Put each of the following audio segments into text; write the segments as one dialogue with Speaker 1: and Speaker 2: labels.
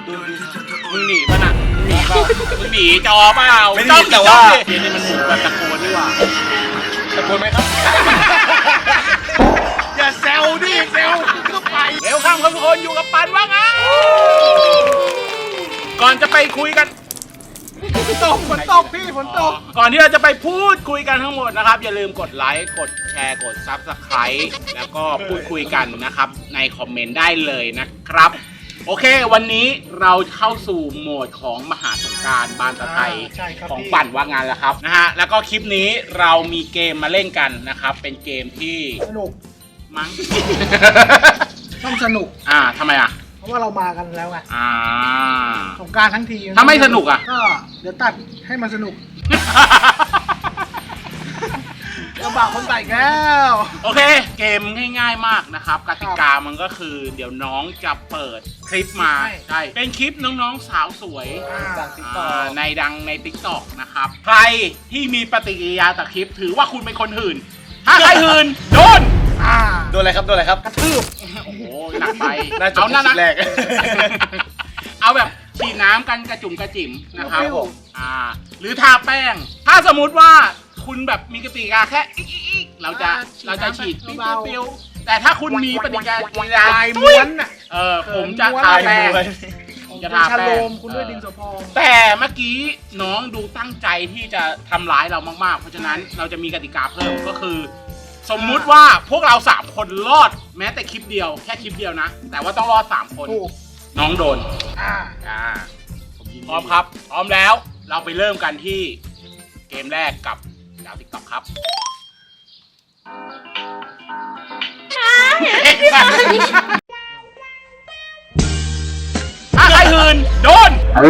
Speaker 1: มึงหนีป่ะน่ะหนีเปล่ามึงหนีจอเปล่า
Speaker 2: ไม่ได้แต่ว่า
Speaker 1: เดี๋ยวนี้มันหมูแบบตะโกนดีกว่า
Speaker 2: ตะโกนไหมครับ
Speaker 1: อย่าแซวดิแซวก็ไปเร็วข้ามทุกคนอยู่กับปันว่าไงก่อนจะไปคุยกันฝนตกพี่ฝนตกก่อนที่เราจะไปพูดคุยกันทั้งหมดนะครับอย่าลืมกดไลค์กดแชร์กด Subscribe แล้วก็พูดคุยกันนะครับในคอมเมนต์ได้เลยนะครับโอเควันนี้เราเข้าสู่โหมดของมหาสงกรานต์บานตะไทยของปั่นว่างานแล้วครับนะฮะแล้วก็คลิปนี้เรามีเกมมาเล่นกันนะครับเป็นเกมที่
Speaker 3: สนุก
Speaker 1: มั้ง
Speaker 3: ต้องสนุก
Speaker 1: ทำไมอ่ะ
Speaker 3: เพราะว่าเรามากันแล้วไง สงกรานต์ทั้งที
Speaker 1: ถ้าไม่สนุกอ่ะ
Speaker 3: ก็เดี๋ยวตัดให้มันสนุกลำบากคนใส่แล้ว
Speaker 1: โอเคเกมง่ายๆมากนะครับกติกามันก็คือเดี๋ยวน้องจะเปิดคลิปมาใช่เป็นคลิปน้องๆสาวสวยในดังใน TikTok นะครับใครที่มีปฏิกิริยาต่อคลิปถือว่าคุณเป็นคนหื่นถ้าใครหื่นโดน
Speaker 2: โดนอะไรครับโดนอะไรครับ
Speaker 3: กระทืบ
Speaker 1: โอ้โหหนักไป
Speaker 2: น่าจะ
Speaker 1: เอานั่นนะ
Speaker 2: แรก
Speaker 1: เอาแบบฉีดน้ำกันกระจุ่มกระจิ๋มนะครับ
Speaker 3: ครับผม
Speaker 1: หรือทาแป้งถ้าสมมุติว่าคุณแบบมีกติกาแค่อีกเราจะฉีดปิ้วๆแต่ถ้าคุณมีปฏิกิริยา
Speaker 3: ลายม้วนอ่ะ
Speaker 1: ผมจะทาแป้ง
Speaker 3: ผม
Speaker 1: จะ
Speaker 3: จะ
Speaker 1: ทา
Speaker 3: ชะ
Speaker 1: แป้
Speaker 3: โล
Speaker 1: ง
Speaker 3: มคุณด้วยดินสอพอง
Speaker 1: แต่เมื่อกี้น้องดูตั้งใจที่จะทำร้ายเรามากๆเพราะฉะนั้นเราจะมีกติกาเพิ่มก็คือ สมมุติว่าพวกเรา3คนรอดแม้แต่คลิปเดียวแค่คลิปเดียวนะแต่ว่าต้องรอด3คน
Speaker 3: ถูก
Speaker 1: น้องโดน พร้อมครับพร้อมแล้วเราไปเริ่มกันที่เกมแรกกับดาวติ๊กต็อกครับถ้าใครหืนโดน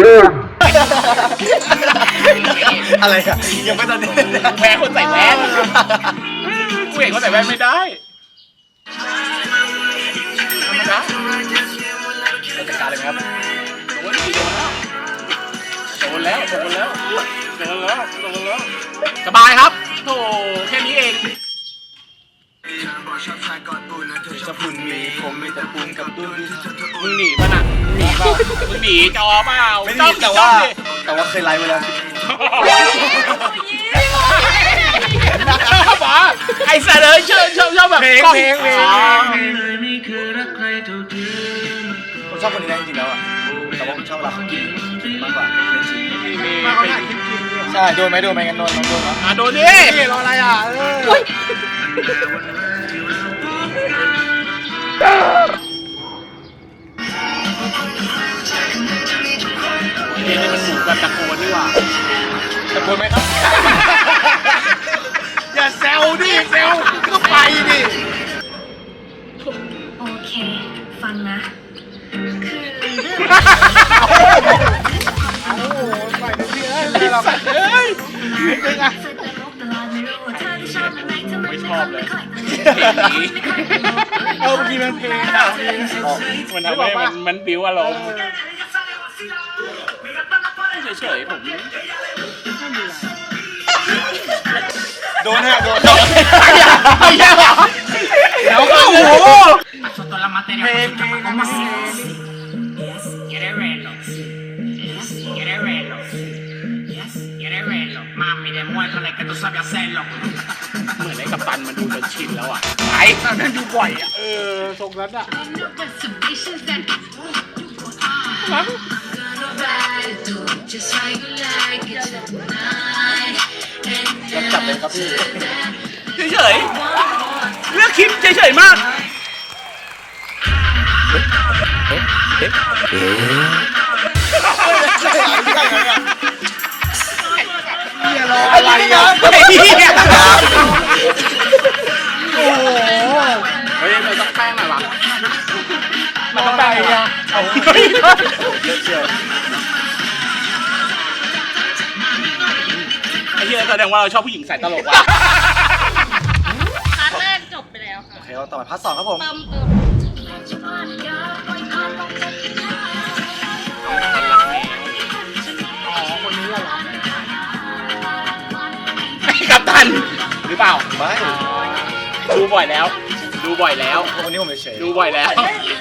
Speaker 2: อะไรอะยังไม่ตอนนี้
Speaker 1: แพ้คนใส่แว่นกูเห็นคนใส่แว่นไม่ได้ธรรมดา
Speaker 2: จัดการเลยไหมครับ
Speaker 1: โดนแล้วสบายครับโถแค่นี้เอง
Speaker 2: จะพุ่นมีผมมีแต่ปูนกับตุ้น
Speaker 1: มึงหนีป่ะน่ะหนีเปล่ามึงหนีจอเปล่า
Speaker 2: ไม่ได้แต่ว่าเคยไลฟ์ไว้แล้ว
Speaker 1: ชอบปะไอ้สัตว์เลยชอบแบบ
Speaker 2: เพลง
Speaker 1: อ๋อ
Speaker 2: ผมชอบคนนี้นะจริงๆแล้วอะแต่ว่าผมชอบเวลาเขากินมากกว่าเป็นจริง
Speaker 3: มาเขาถ่ายคลิปกินเนี่ย
Speaker 2: ใช่โดนไหมกันโดนน้องโดนไหม
Speaker 1: โดนดิ
Speaker 3: นี่รออะไรอ่ะ
Speaker 1: เดี๋ยวนี้มันหมูแบบตะโกนดีกว่า
Speaker 2: ตะโกนไหมครับ
Speaker 1: อย่าแซวดิแซวก็ไปดิ
Speaker 4: โอเค ฟังนะ คือเรื่อง
Speaker 3: โอ้โหใส่เต็มที่เลยไม่หรอก
Speaker 1: เฮ้ย
Speaker 3: จริงอ่ะ
Speaker 1: ไม่ชอบเลย
Speaker 3: เมื่อกี้มันเพลงอ่ะ
Speaker 1: มันทำให้มันบิ้วอารมณ์เฉยๆผม
Speaker 2: โดนฮะโดน
Speaker 1: ไม่ใช่เหรอแล้วก็โอ้โห
Speaker 5: Sotto la materia così come si Yes, quiere verlo. Yes, quiere verlo. Yes, quiere verlo. Mami, demuéstrale que tú sabes hacerlo.
Speaker 1: เหมือนไอ้กัปตันมันดูจนชินแล้วอ่ะไอ้นั่นดูบ่อยอ่ะ
Speaker 3: ทรงนั้นอ่ะ
Speaker 2: จับเลยครับพี่
Speaker 1: เฉยๆเลือกคลิปเฉยๆมาก
Speaker 2: อะไรอ่ะ
Speaker 1: ไอ้เหี้ยโอ้โหเฮ้ยมันต้องแป้งหน่อยวะมันต้องแป้งหน่อยวะเอาไอ้เหี้ยแสดงว่าเราชอบผู้หญิงใส่ตลกว่ะ
Speaker 6: พาร์ทแรกจบไปแล้วค่ะ
Speaker 2: โอเคเราต่อไปพาร์ท 2ครับผม
Speaker 6: เติม
Speaker 3: อ๋อคนนี้เหรอ
Speaker 1: กัปตันหรือเปล่า
Speaker 2: ไม่
Speaker 1: ดูบ่อยแล้ว ดูดูบ่อยแล้ว
Speaker 2: วันนี้ผมเฉย
Speaker 1: ดูบ่อยแล้ว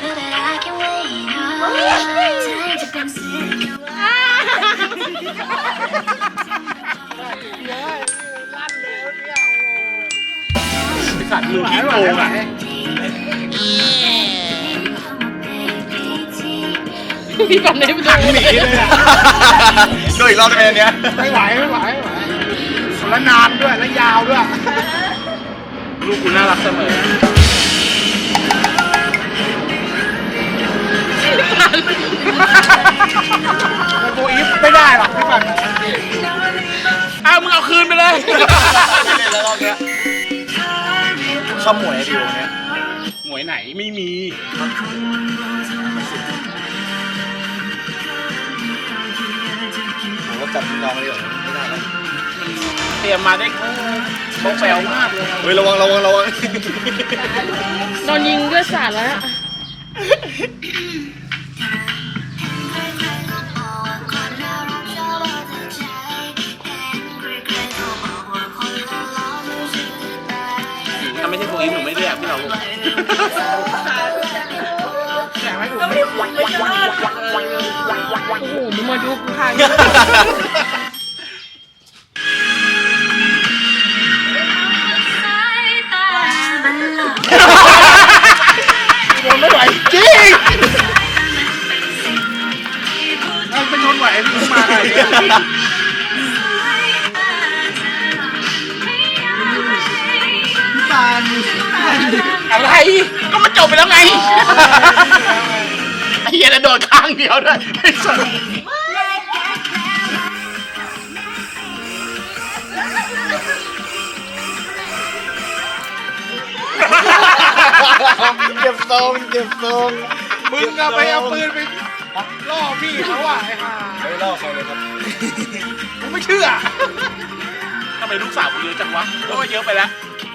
Speaker 1: สัตว์มือพี่โกงอ่ะ
Speaker 6: พี่ปันได้ดู
Speaker 3: หนีเลยอ่ะ
Speaker 2: ดูอีกรอบได้ไหมอันเนี้ย
Speaker 3: ไม่ไหวแล้วนานด้วยแล้วยาวด้วย
Speaker 1: ลูกกูน่ารักเสมอ
Speaker 3: โกอีฟไม่ได้หรอกพี่ปัน
Speaker 1: อ้าวมึงเอาคืนไปเลย
Speaker 2: ไม่เล่นแล้วรอบเนี้ยชอบหมวยดิวเนี้ย
Speaker 1: หมวยไหนไม่มี
Speaker 2: ผมก็จับน้องเลยไม่ได้แล้ว
Speaker 1: เตรียมมาได้โป๊ะแปลวมากเลย
Speaker 2: เฮ้ยระวัง
Speaker 6: โดนยิงด้วยสารแล้ว
Speaker 1: ถ้าไม่ใช่โฟอีฟหนูไม่เรียกพี่เราลูก
Speaker 3: แข่งไม่ถูก
Speaker 6: โอ้โหมึงมาดูกูทาง
Speaker 3: โดนไม่ไหวจริงเราเป็นคนไหวพี่มาอะไรเนี่ยพี่ปาน
Speaker 1: อะไรก็มันจบไปแล้วไงไอ้เหี้ยแล้วโดนข้างเดียวด้วยไอ้สัส
Speaker 2: เก็บทรงเก็บทรง
Speaker 3: มึงอะไปเอาปืนไปล่อพี่เขาอ่ะไอ้ห่า
Speaker 2: ไม่เล่าใครเลยครับ
Speaker 3: กูไม่เชื่อ
Speaker 1: ทำไมลูกสาวกูเยอะจังวะก็ว่าเยอะไปแล้ว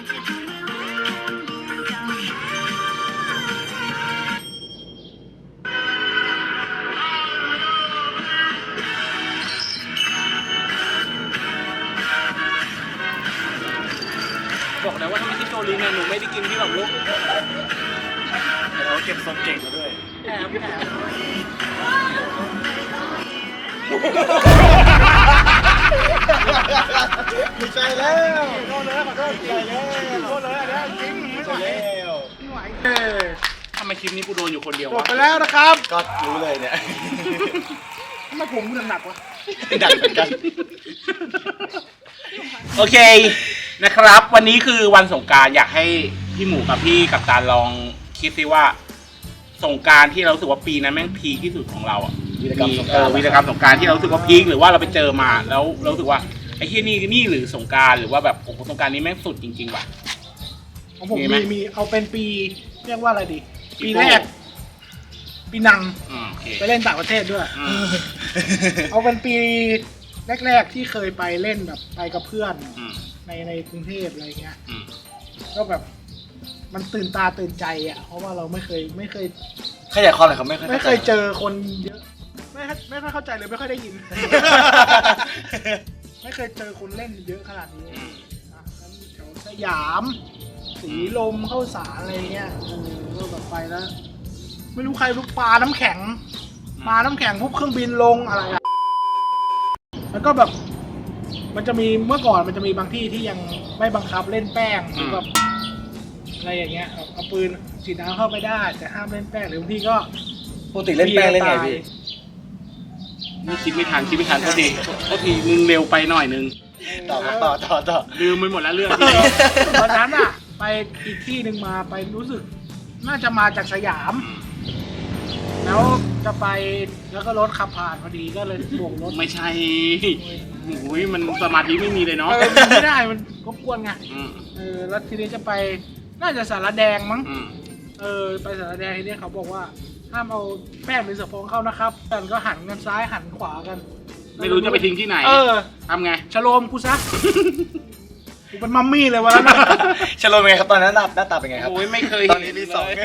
Speaker 1: บอกแล้วว่าถ้าไม่ใช่โจลินเนี่ยหนูไม่ได้กินพี่หรอกลูก
Speaker 2: เราเก็บทรงเก่งมาด้วย
Speaker 1: แอบแอบ
Speaker 2: ไม่ใช่แล้ว
Speaker 3: ขอโทษเลยขอโทษจริงขอโทษเลยอันนี้จริงไม่ไหว
Speaker 2: แล้ว
Speaker 3: ไม่ไหว
Speaker 1: ทำไมคลิปนี้กูโดนอยู่คนเดียว
Speaker 3: จบ
Speaker 1: วะ
Speaker 3: ไปแล้วนะครับ
Speaker 2: ก็รู้เลยเนี่ย
Speaker 3: ทำไมผมกูหนักวะ
Speaker 2: ดันเหมือนกัน
Speaker 1: โอเคนะครับ วันนี้คือวันสงกรานต์อยากให้พี่หมูกับพี่กัปตันลองคิดซิว่าสงกรานต์ที่เรารู้สึกว่าปีนั้นแม่งพีคที่สุดของเราอ่ะ
Speaker 2: วีรกรรมสงกรานต์
Speaker 1: วีรกรรมสงกรานต์ที่เรารู้สึกว่าพีคหรือว่าเราไปเจอมาแล้วเรารู้สึกว่าไอ้ที่นี่หรือสงกรานต์หรือว่าแบบโอ้โหสงกรานต์นี้แม่งสุดจริงๆว่ะ
Speaker 3: ของผม
Speaker 1: มีไหม
Speaker 3: มีเอาเป็นปีเรียกว่าอะไรดี
Speaker 1: ปี
Speaker 3: ปี
Speaker 1: โป้
Speaker 3: แรก ปีนัง
Speaker 1: โอเค
Speaker 3: ไปเล่นต่างประเทศด้วย
Speaker 1: อืม
Speaker 3: เอาเป็นปีแรกๆที่เคยไปเล่นแบบไปกับเพื่อน
Speaker 1: อืม
Speaker 3: ในกรุงเทพอะไรเงี้ย
Speaker 1: อืม
Speaker 3: ก็แบบมันตื่นตาตื่นใจอ่ะเพราะว่าเราไม่เคย
Speaker 2: ขยายความหน่อยครับไม่
Speaker 3: ไม่เคยเจอคนเยอะไม่ค่อยเข้าใจเลยไม่ค่อยได้ยิน ไม่เคยเจอคนเล่นเยอะขนาดนี้
Speaker 1: อืม
Speaker 3: นะทั้งแถวสยามสีลมเข้าสารอะไรเงี้ยก็แบบไปแล้ว ไม่รู้ใครลูกปลาน้ำแข็งมาน้ำแข็งปุ๊บเครื่องบินลงอะไรอะแล้วก็แบบ มันจะมีเมื่อก่อนมันจะมีบางที่ที่ยังไม่บังคับเล่นแป้งหรือแบบอะไรอย่างเงี้ยเอาปืนฉีดน้ำเข้าไปได้ แต่ห้ามเล่นแป้งหรือบางที่ก็
Speaker 2: ปกติเล่นแป้งเล่นไงพี่
Speaker 1: นี่คิดไม่ทันโทษทีมึงเร็วไปหน่อยนึง
Speaker 2: ต่อ
Speaker 1: ลืมไปหมดแล้วเรื่องที่
Speaker 3: ตอนนั้นอะไปอีกที่หนึ่งมาไปรู้สึก น่าจะมาจากสยาม แล้วจะไปแล้วก็รถขับผ่านพอดีก็เลยโบกรถ
Speaker 1: ไม่ใช่โอ้ยมันสมาธิไม่มีเลยเนาะ
Speaker 3: ไม่ได้มันรบกวนไง
Speaker 1: อืม
Speaker 3: แล้วทีนี้จะไปน่าจะสารแดงมั้ง
Speaker 1: อืม
Speaker 3: ไปสารแดงทีนี้เขาบอกว่าห้ามเอาแป้งหรือสะโพกเข้านะครับกันก็หันกันซ้ายหันขวากัน
Speaker 1: ไม่รู้จะไปทิ้งที่ไหน ทำไง
Speaker 3: ชโลมกูซะ กูเป็นมัมมี่เลยวันนั้นนะ
Speaker 2: ชโลมเป็นไงครับตอนนั้นหน้าตาเป็นไงครับ
Speaker 1: โอ้ยไม่เคย
Speaker 2: ตอนนี้มีสอง
Speaker 1: เลย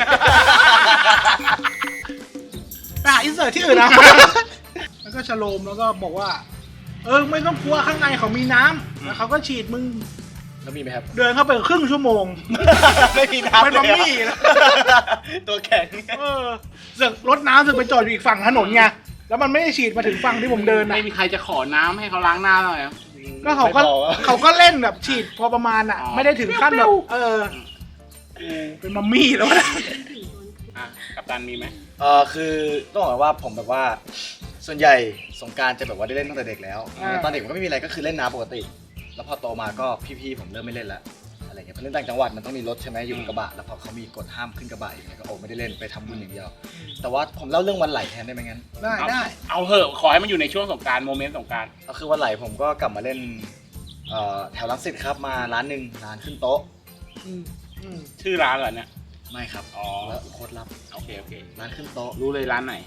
Speaker 3: ไปหาอินเสิร์ตที่อื่นนะ แล้วก็ชโลมแล้วก็บอกว่า ไม่ต้องกลัวข้างในเขามีน้ำแล้วเขาก็ฉีดมึง
Speaker 2: แล้วมีไหมครับ
Speaker 3: เดินเข้าไปครึ่งชั่วโมง
Speaker 2: ไม่มีน้ำ
Speaker 3: เป็นมัมมี่
Speaker 2: เลย
Speaker 3: นะ
Speaker 2: ตัวแข็ง
Speaker 3: เสือกรถน้ำเสือกไปจอดอยู่อีกฝั่งถนนไงแล้วมันไม่ได้ฉีดมาถึงฝั่งที่ผมเดินนะ
Speaker 1: ไม่มีใครจะขอน้ำให้เขาล้างหน้าเลยอะ
Speaker 3: ก็เขาก็เล่นแบบฉีดพอประมาณอ่ะ
Speaker 1: อ๋อ
Speaker 3: ไม่ได้ถึงขั้นแบบเป็นมัมมี่แล้วนะ
Speaker 1: อ่ะกัปตันมีไหม
Speaker 2: คือต้องบอกว่าผมแบบว่าส่วนใหญ่สงกรารจะแบบว่าได้เล่นตั้งแต่เด็กแล้ว ตอนเด็กมันก็ไม่มีอะไรก็คือเล่นน้ำปกติ แล้วพอโตมาก็พี่ๆผมเริ่มไม่เล่นแล้วอะไรเงี้ยเพราะเล่นต่างจังหวัดมันต้องมีรถใช่ไหมอยู่บนกระบะแล้วพอเขามีกฎห้ามขึ้นกระบะอย่างเงี้ยก็โอ้ไม่ได้เล่นไปทำบุญอย่างเดียว แต่ว่าผมเล่าเรื่องวันไหลแทนได้ไหมงั้น
Speaker 3: ได้
Speaker 1: เอาเหอะขอให้มันอยู่ในช่วงสงกรารโมเมนต์สงกราร
Speaker 2: ก็คือวันไหลผมก็กลับมาเล่นแถวรังสิตครับมาร้านหนึ่งร้านขึ้นโต๊ะ
Speaker 1: ชื่อร้านเหรอเนี่ย
Speaker 2: ไม่ครับ
Speaker 1: อ๋อ
Speaker 2: แล้วโคตรลับ
Speaker 1: โอเคโอเค
Speaker 2: ร้านขึ้นโต๊ะ
Speaker 1: รู้เลยร้านไหน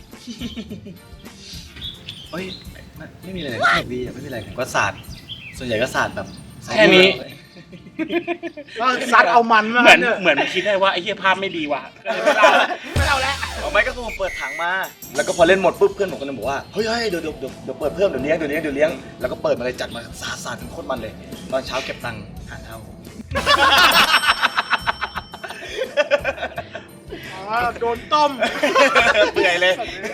Speaker 2: เอ้ยไม่มีอะไรเลยสนุกดีอะไม่มีอะไรผมก็สาดส่วนใหญ่ก็สาดแบบ
Speaker 1: แค่นี้
Speaker 3: ก็ซัดเอามันมา
Speaker 1: เหมือน
Speaker 3: เนี่ย
Speaker 1: เหมือนมันคิดได้ว่าไอ้เหี้ยภาพไม่ดีว่ะก็เลยไม่เล่าไม่เล่าแล้ว
Speaker 2: เอาไม่ก็คือผมเปิดถังมา แล้วก็พอเล่นหมดปุ๊บเพื่อนผมก็เลยบอกว่าเฮ้ยเดี๋ยวเปิดเพิ่มเดี๋ยวเลี้ยงแล้วก็เปิดมาเลยจัดมาสาดโคตรมันเลย ตอนเช้าเก็บตังค์หาเท่า
Speaker 3: โดนต้ม
Speaker 2: เปื่อยเลย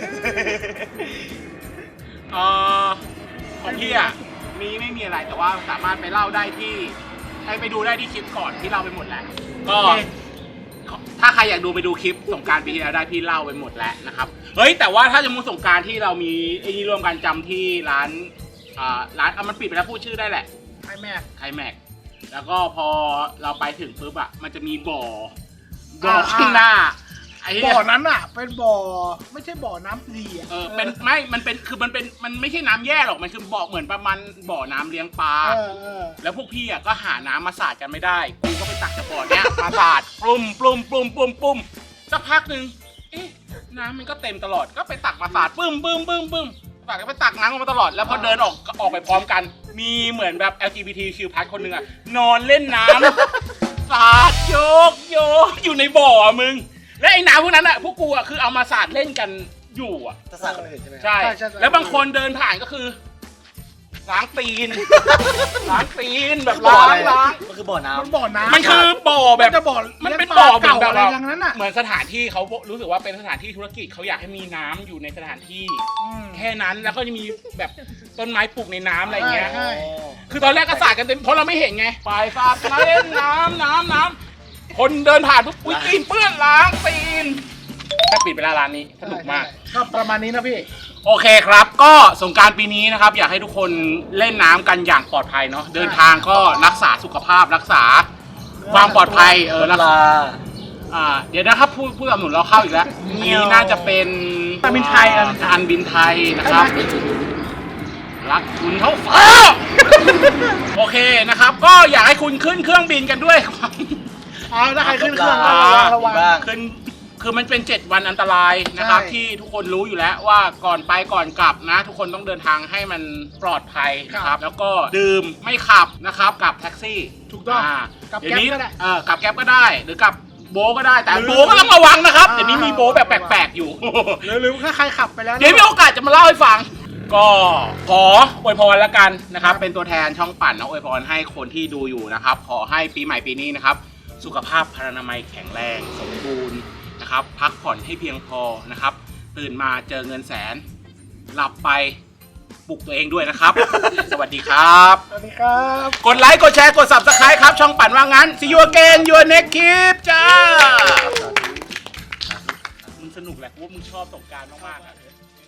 Speaker 1: ของพี่อ่ะมีไม่มีอะไรแต่ว่าสามารถไปเล่าได้ที่ไปดูได้ที่คลิปก่อนที่เล่าไปหมดแล้วก็
Speaker 3: โอเค
Speaker 1: ถ้าใครอยากดูไปดูคลิปสงกรารปีที่แล้วได้พี่เล่าไปหมดแล้วนะครับเฮ้ยแต่ว่าถ้าจะมูสงกรารที่เรามีไอ้นี่ร่วมกันจำที่ร้านมันปิดไปแล้วพูดชื่อได้แหละ
Speaker 3: ไอ้แม่
Speaker 1: ไคลแม็กซ์แล้วก็พอเราไปถึงปุ๊บอ่ะมันจะมีบ่อข้างหน้าไอ้เหี้ย
Speaker 3: บ่อนั้นอ่ะ เป็นบ่อไม่ใช่บ่อน้ำดีอ่ะ
Speaker 1: เป็นไม่มันเป็นคือมันไม่ใช่น้ำแย่หรอกมันคือบ่อเหมือนประมาณบ่อน้ำเลี้ยงปลา แล้วพวกพี่อ่ะก็หาน้ำมาสาดกันไม่ได้กูก็ไปตักจากบ่อเนี้ย มาสาดปลุ่มสักพักหนึ่งเอ๊ะน้ำมันก็เต็มตลอดก็ไปตักมาสาดปึ้มตักก็ไปตักน้ำออกมาตลอดแล้วพอเดินออกไปพร้อมกัน มีเหมือนแบบ LGBTQ+ คนหนึ่งอ่ะนอนเล่นน้ำ สาดโยกอยู่ในบ่ออะมึง และไอ้น้ำพวกนั้นอ่ะพวกกูอ่ะคือเอามาสาดเล่นกันอยู่อ่ะ
Speaker 2: จะสาดคนอื่นใช่ไหมครับ
Speaker 1: ใช่ แล้วบางคนเดินผ่านก็คือล้างตีน แบบล้าง
Speaker 2: มันคือบ่อน้ำ
Speaker 3: มันบ่อน้ำ
Speaker 1: มันคือบ่อแบบ
Speaker 3: จะบ่อ
Speaker 1: มันเป็นบ่อแบบ
Speaker 3: เก่าอะไรอย่างนั้นอ่ะ
Speaker 1: เหมือนสถานที่เขารู้สึกว่าเป็นสถานที่ธุรกิจเขาอยากให้มีน้ำอยู่ในสถานที่ แค่นั้นแล้วก็จะมีแบบต้นไม้ปลูกในน้ำอะไรอย่างเงี้ย
Speaker 3: ใช่
Speaker 1: คือตอนแรกก็สาดกันเต็มเพราะเราไม่เห็นไงไปสาดมาเล่นน้ำคนเดินผ่านปุ๊บอุ้ยตีนเปื้อนล้างตีนแต่ปิดไปแล้วร้านนี้สนุกมาก
Speaker 3: ก็ประมาณนี้นะพี่
Speaker 1: โอเคครับ ก็สงกรานต์ปีนี้นะครับ อยากให้ทุกคนเล่นน้ำกันอย่างปลอดภัยเนาะเดินทางก็รักษาสุขภาพรักษาความปลอดภัยรักษาเดี๋ยวนะครับผู้สนับสนุนเราเข้าอีกแล้วนี้น่าจะเป็นการบินไทยนะครับรักคุณเท่าฟ้า โอเคนะครับ ก็อยากให้คุณขึ้นเครื่องบินกันด้วย
Speaker 3: ถ้าใครขึ้นเครื่องก็ระวัง
Speaker 1: คือมันเป็น7วันอันตรายนะครับ
Speaker 3: ใช่
Speaker 1: ที่ทุกคนรู้อยู่แล้วว่าก่อนไปก่อนกลับนะ ทุกคนต้องเดินทางให้มันปลอดภัยนะครับแล้วก็ดื่มไม่ขับนะครับกับแท็กซี่
Speaker 3: ถูกต้องกับ
Speaker 1: เดี๋ยว
Speaker 3: แก๊ป
Speaker 1: นี้
Speaker 3: ก็ได้
Speaker 1: กับแก๊ปก็ได้หรือกับโบก็ได้แต่โบก็ต้องระวังนะครับเดี๋ยวนี้มีโบแบบแปลกๆอยู่
Speaker 3: หรือถ้าใครขับไปแล้ว
Speaker 1: เดี๋ยวมีโอกาสจะมาเล่าให้ฟัง ก็ขออวยพรแล้วกันนะครับ เป็นตัวแทนช่องปั่นนะอวยพรให้คนที่ดูอยู่นะครับ ขอให้ปีใหม่ปีนี้นะครับ สุขภาพพรรณนามัยแข็งแรงสมบูรณ์นะครับ พักผ่อนให้เพียงพอนะครับ ตื่นมาเจอเงินแสน หลับไปปลุกตัวเองด้วยนะครับ สวัสดีครับ
Speaker 3: สวัสดีครับ
Speaker 1: กดไลค์กดแชร์กด Subscribe ครับ ช่องปั่นว่างั้น See you again your next clip จ้ามึงสนุกแหละกูว่ามึงชอบสงกรานต์มากๆอะ